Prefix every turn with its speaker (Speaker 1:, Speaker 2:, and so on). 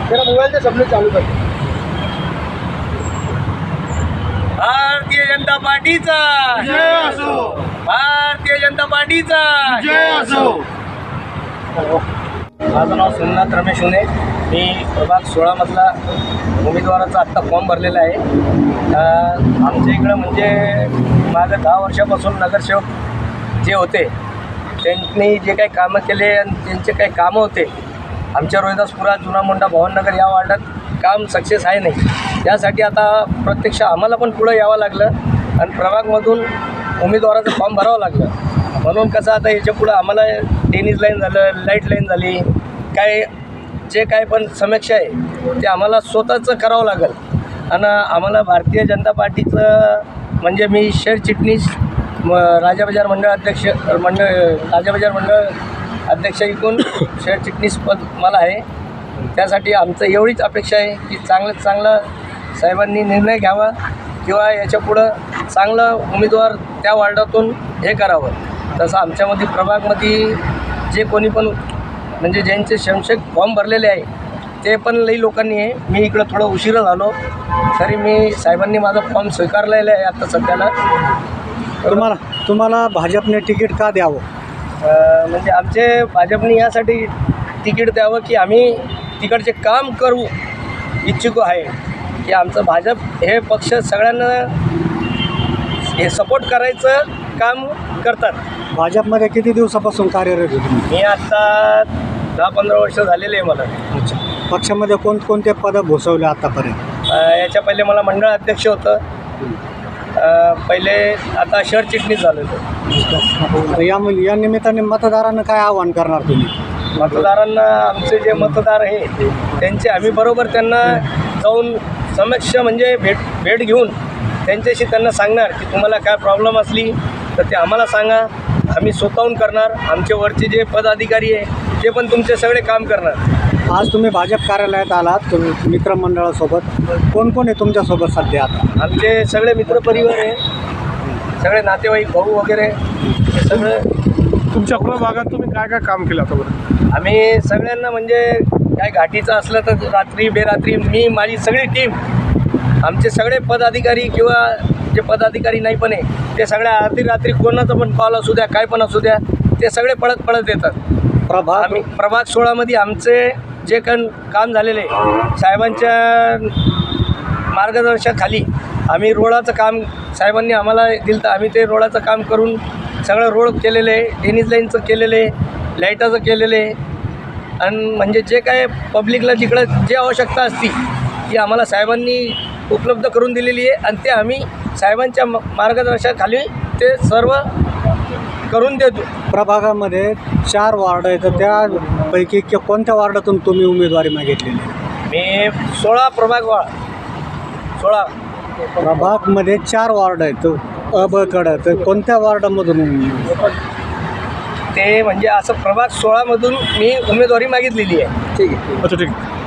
Speaker 1: मेरा मोबाइल से सबने चालू कर दिया।
Speaker 2: भारतीय जनता पार्टीचा
Speaker 1: जय असो,
Speaker 2: भारतीय जनता पार्टीचा
Speaker 1: जय असो।
Speaker 2: माझं नाव सोमनाथ रमेश हुने, मी प्रभाग 16 मधला उमेदवाराचा आत्ता फॉर्म भरलेला आहे. आमच्या इकडं म्हणजे माझं 10 वर्षापासून नगरसेवक जे होते त्यांनी जे काही कामं केले आणि त्यांचे काही कामं होते आमच्या रोहिदासपुरा जुना मोंढा भवननगर या वार्डात काम सक्सेस आहे नाही. त्यासाठी आता प्रत्यक्ष आम्हाला पण पुढं यावं लागलं आणि प्रभागमधून उमेदवाराचं फॉर्म भरावं लागलं. म्हणून कसं आता याच्या पुढं आम्हाला टेनिस लाईन झालं, लाईट लाईन झाली, काय जे काय पण समस्या आहे ते आम्हाला स्वतःचं करावं लागेल. आणि आम्हाला भारतीय जनता पार्टीचं म्हणजे मी शहर चिटणीस राजा बाजार मंडळ अध्यक्ष राजा बाजार मंडळ अध्यक्ष इकून शहर चिटणीस पद मला आहे. त्यासाठी आमचं एवढीच अपेक्षा आहे की चांगल्यात चांगलं साहेबांनी निर्णय घ्यावा किंवा याच्या पुढं चांगलं उमेदवार त्या वार्डातून हे करावं. तसं आमच्यामध्ये प्रभागमध्ये जे कोणी पण म्हणजे ज्यांचे शमशेक फॉर्म भरलेले आहे ते पण लई लोकांनी आहे. मी इकडं थोडं उशिरा झालो तरी मी साहेबांनी माझा फॉर्म स्वीकारलेला आहे आता सध्याला.
Speaker 1: तुम्हाला भाजपने तिकीट का द्यावं?
Speaker 2: म्हणजे आमचे भाजपने यासाठी तिकीट द्यावं की आम्ही तिकडचे काम करू इच्छुक आहे की आमचं भाजप हे पक्ष सगळ्यांना हे सपोर्ट करायचं काम करतात.
Speaker 1: भाजपमध्ये किती दिवसापासून कार्यरत आहे तुम्ही?
Speaker 2: मी आत्ता 10-15 वर्ष झालेले आहे मला.
Speaker 1: अच्छा, पक्षामध्ये कोणकोणते पदं भूषवले आतापर्यंत?
Speaker 2: याच्या पहिले मला मंडळ अध्यक्ष होतं, पहिले आता शहर चिटणीस झालो होतो.
Speaker 1: या निमित्ताने मतदारांना काय आवाहन करणार तुम्ही?
Speaker 2: मतदारांना आमचे जे मतदार आहे त्यांचे आम्ही बरोबर त्यांना जाऊन समक्ष म्हणजे भेट घेऊन त्यांच्याशी त्यांना सांगणार की तुम्हाला काय प्रॉब्लेम असली तर ते आम्हाला सांगा, आम्ही स्वतःहून करणार. आमचे वरचे जे पदाधिकारी आहे ते पण तुमचे सगळे काम करणार.
Speaker 1: आज तुम्ही भाजप कार्यालयात आलात तुम्ही मित्रमंडळासोबत, कोण कोण आहे तुमच्यासोबत सध्या? आता
Speaker 2: आमचे सगळे मित्रपरिवार आहे, सगळे नातेवाईक भाऊ वगैरे सगळं.
Speaker 3: तुमच्या प्रभागात तुम्ही काय काय काम केलं आतापर्यंत?
Speaker 2: आम्ही सगळ्यांना म्हणजे काय घाटीचं असलं तर रात्री बेरात्री मी माझी सगळी टीम आमचे सगळे पदाधिकारी किंवा जे पदाधिकारी नाही पण आहे ते सगळ्या अर्धी रात्री कोणाचा पण कॉल असू द्या काय पण असू द्या ते सगळे पळत येतात. आम्ही प्रभाग 16मध्ये आमचे जे काम झालेले साहेबांच्या मार्गदर्शनाखाली आम्ही रोडाचं काम साहेबांनी आम्हाला दिलं तर आम्ही ते रोडाचं काम करून सगळं रोड केलेलं आहे, टेनिस लाईनचं केलेलं आहे, लाईटाचं केलेलं आहे. आणि म्हणजे जे काय पब्लिकला जिकडं जे आवश्यकता असती ती आम्हाला साहेबांनी उपलब्ध करून दिलेली आहे आणि ते आम्ही साहेबांच्या मार्गदर्शनाखाली ते सर्व करून देतो.
Speaker 1: प्रभागामध्ये 4 वार्ड आहेत, तर त्यापैकी कोणत्या वार्डातून तुम्ही उमेदवारी मागितलेली?
Speaker 2: मी 16 प्रभाग 16
Speaker 1: प्रभागमध्ये 4 वार्ड आहेत अ ब कडं, तर कोणत्या वार्डामधून?
Speaker 2: ते म्हणजे असं प्रभाग 16मधून मी उमेदवारी मागितलेली आहे.
Speaker 1: ठीक आहे.
Speaker 3: अच्छा, ठीक आहे.